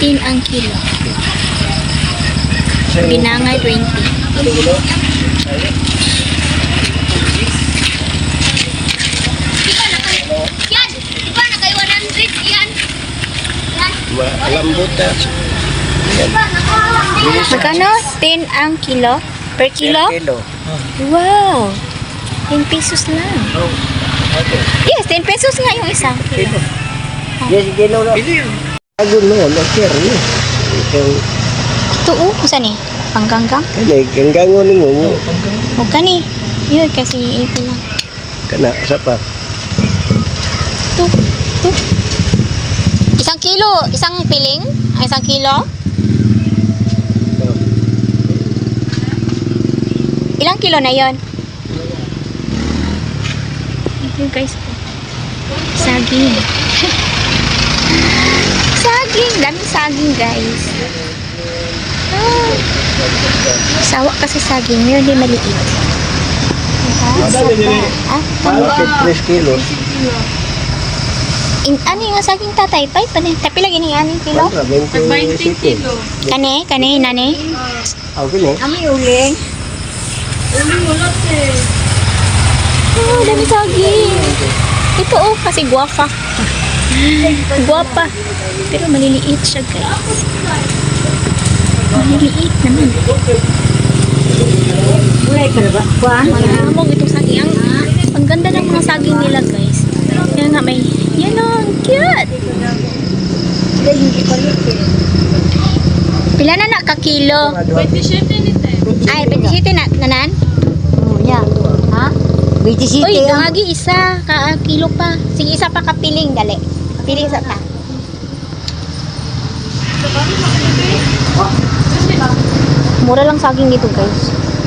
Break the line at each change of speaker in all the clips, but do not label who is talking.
15 ang kilo. Binangay 20.
Yan! Diba na kay 100 yan?
Malambot na.
Magkano? 10 ang kilo? Per kilo?
Kilo.
Wow! 10 pesos lang. Yes, 10 pesos nga yung isang kilo.
Yes, kilo na. Agun mo, mag-share niyo.
Ito kusa ni? Panggang-gang?
Kani, ganggangon ninyo mo.
Huwag ka ni. Yun, kasi ito lang.
Kana, sapa.
Ito. Isang kilo, isang piling? Ang isang kilo? Ilang kilo na yon? Ito guys. Saging. Saging. Daming saging guys. Ah. Sawa kasi saging. Meron din maliit.
Malapit 3 kilos.
Ano yung saging tatay? Tapi lagi ni aning kilo?
20 kilo.
Kane, nane?
Okay na.
Ami uling. Oh, dami saging. Ito kasi guwapa. Guwapa. Pero maliliit siya guys. Maliliit naman.
Mulai ka na ba? Kuhaan?
Malamog itong saging. Ang ganda ng mga saging nila guys. Kaya nga may, yan o, ang cute. Pila na na ka kilo?
27 nito eh.
Ay, 27 na, nanan?
Oh, yeah. Ha? 27
Uy, gangagi isa, ka kilo pa. Sige, isa pa kapiling, dali. Piling sa ta. Mura lang saging dito, guys.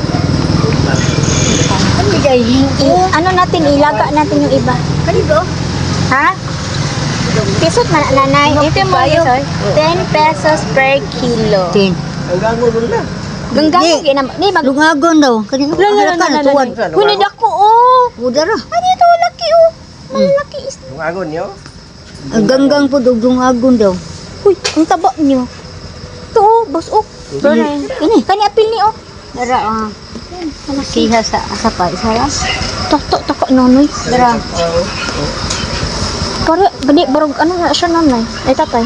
Ano natin, ilaga natin yung iba.
Kanito?
Ha? Pisot man, nanay. Ito yung mga pesos. 10 pesos per kilo.
10.
Hanggang mo na.
Ganggang yun naman. Ni, mag...
Lungagon daw. Kanito? Halakan na tuwan.
Hunid ako, oh.
Udara.
Ano ito, laki, oh. Malaki is...
Tungagon niyo.
Ang ganggang po daw lungagon daw.
Uy, ang taba niyo. Ito, oh, boss, oh. Ini, kani apil ni, oh.
Dara, siha sa asapa. Isa lang.
Tako, nonoy.
Dara.
Pare, gani, barog, ano na siya nanay? Ay, tatay.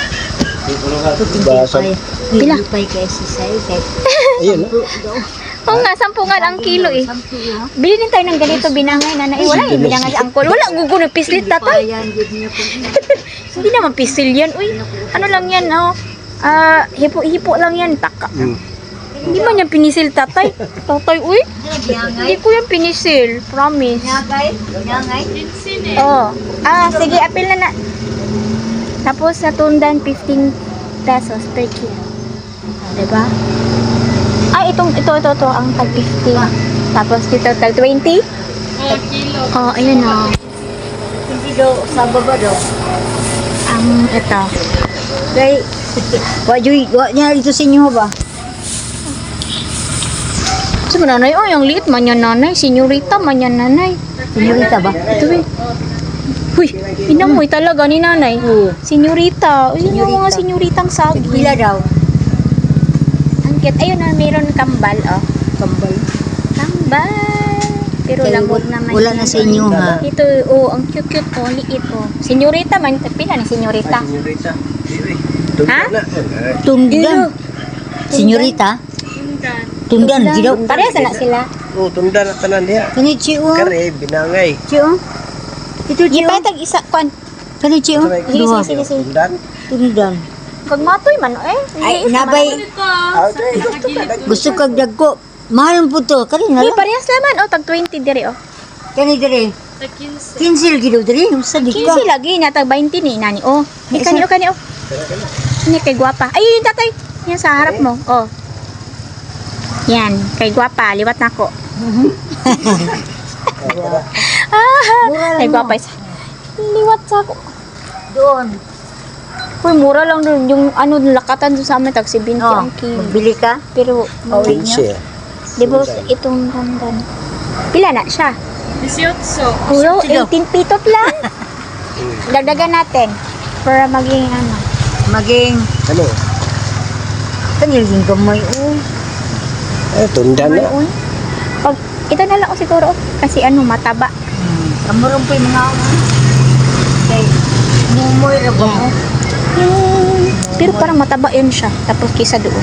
Basa.
Pila?
Pay kay sisay.
Ayun.
Oo nga, 10 nga ang kilo, eh. Bili din tayo ng ganito, binangay, nanay. Wala yung binangay sa angkol. Wala, gugo na pislit, tatay. Hindi naman pisil yan, uy. Ano lang yan, oh. Hipo lang yan, taka. Hindi man yan pinisil, tatay. Tatay, uy. Hindi ko yan pinisil, promise.
Nyangay?
Oh. Sige, apil na. Tapos natundan 15 pesos per kilo. Diba? Ito ang tag 50. Tapos dito tag 20.
Kilo.
Oh, ayan oh.
Hindi daw sa baba daw.
Ito.
Kay wa niya dito sa inyo ba?
So, nanay, oh, yung liit man yan, nanay. Senyorita man yan, nanay.
Senyorita ba?
Ito eh. Huy, inamoy talaga ni nanay. Senyorita. Uy, yung mga senyoritang saging.
Pila daw?
Ang cute. Ayun na, mayroon kambal, oh.
Kambal.
Kambal. Pero
Kay
lambot naman.
wala na sa inyo ha.
Ito, oh, ang cute-cute, oh, liit, oh. Senyorita man. Pila ni senyorita?
Senyorita.
Ha?
Tungdan. Senyorita? Tungdan. Gidaw.
Parehas na sila.
Oh, tunda na tanan diha.
Kani Chio.
Kare binangay.
Chio. Ito Chio.
Ipatag isa, kwan.
Kani Chio. Duha.
Sige.
Tundan.
Tungdan.
Kag matoy man, eh.
Ay, nabay. Gusto kag dagko. Mahal po to. Kani na
Uy,
lang.
parehas naman, oh. Tag 20 diri, oh.
Kani dire. 15 gidaw dire. Sa di ka.
15 lagi, natag 20 ni nani, oh. Ni kani, oh. Ni kay guwapa. Ay, yun, tatay. Yan sa harap mo, oh. Yan, kay guwapa. Liwat na ako. Kay guwapa isa. Liwat sa ako.
Doon.
Uy, mura lang dun. Yung ano, lakatan dun sa amin, tag 70 ang kilo.
Magbili ka?
Pero,
Pauwi niyo?
di ba itong gandan? Pila na siya?
18.
Puro 18 pitot lang. Dagdagan natin. Para maging ano.
Maging
Ano?
Tanilgin gamay, uy.
Tunda na.
Uy.
Pag, ito na lang siguro. Kasi ano, mataba.
Kamarong po yung mga kay mumoy ra ba mo?
Pero parang mataba yun siya. Tapos kisa doon.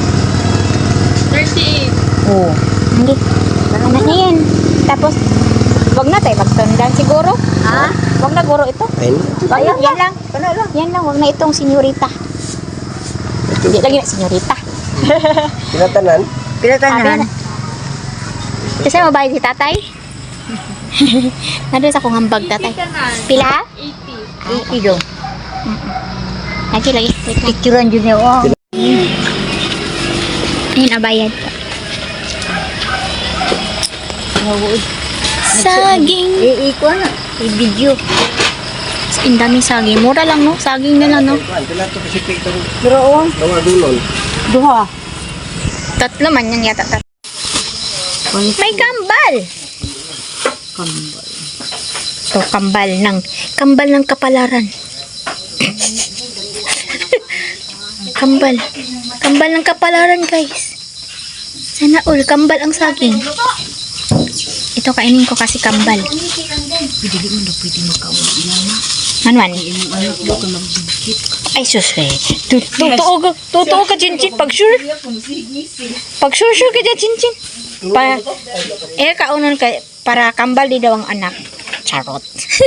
38.
Oo.
Hindi. Ano na yan? Tapos, wag na tayo magtundan siguro.
Ha?
Wag na guro ito.
Ayun.
Wag lang, yan lang. Yan lang, wag na itong senyorita. Hindi lagi na senyorita.
Pinatanan.
Pinatanan.
Kasi mabayad si tatay. Nandun sa kong hambag tatay. Pila?
80.
Ido.
Lagi, lagi. Wait lang.
Picturean dyan niya. Oh.
Ayun, abayad.
Nawud.
Saging.
Iko na. I-video.
Ang daming saging. Mura lang, no? Saging na lang, no?
Pila to kasi pito.
Pero oh.
Dawa dulon.
Duha.
Tatlo man yan yata. May kambal!
Kambal.
Ito, kambal ng kapalaran. Kambal. Kambal ng kapalaran, guys. Sana all, kambal ang saging. Ito, kainin ko kasi kambal.
Pwede mo na pwede makawag yan.
Manuan.
Ano ko ka magbigkit.
Ay, sus, eh. Totoo ka, Chinchin. Pag sure ka dyan, Chinchin. Kaunon ka, para kambal di daw ang anak. Charot.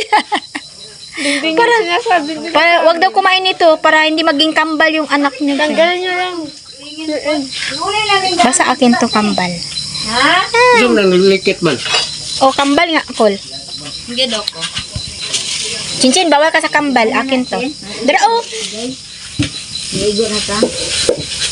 para wag daw kumain ito para hindi maging kambal yung anak niya.
Tanggalin nyo lang.
Basta akin to kambal.
Zoom lang likit man.
O, kambal nga, Col.
Sige, doko.
Chinchin, bawal ka sa kambal. Akin to. Dara, oh.
Igo na ka.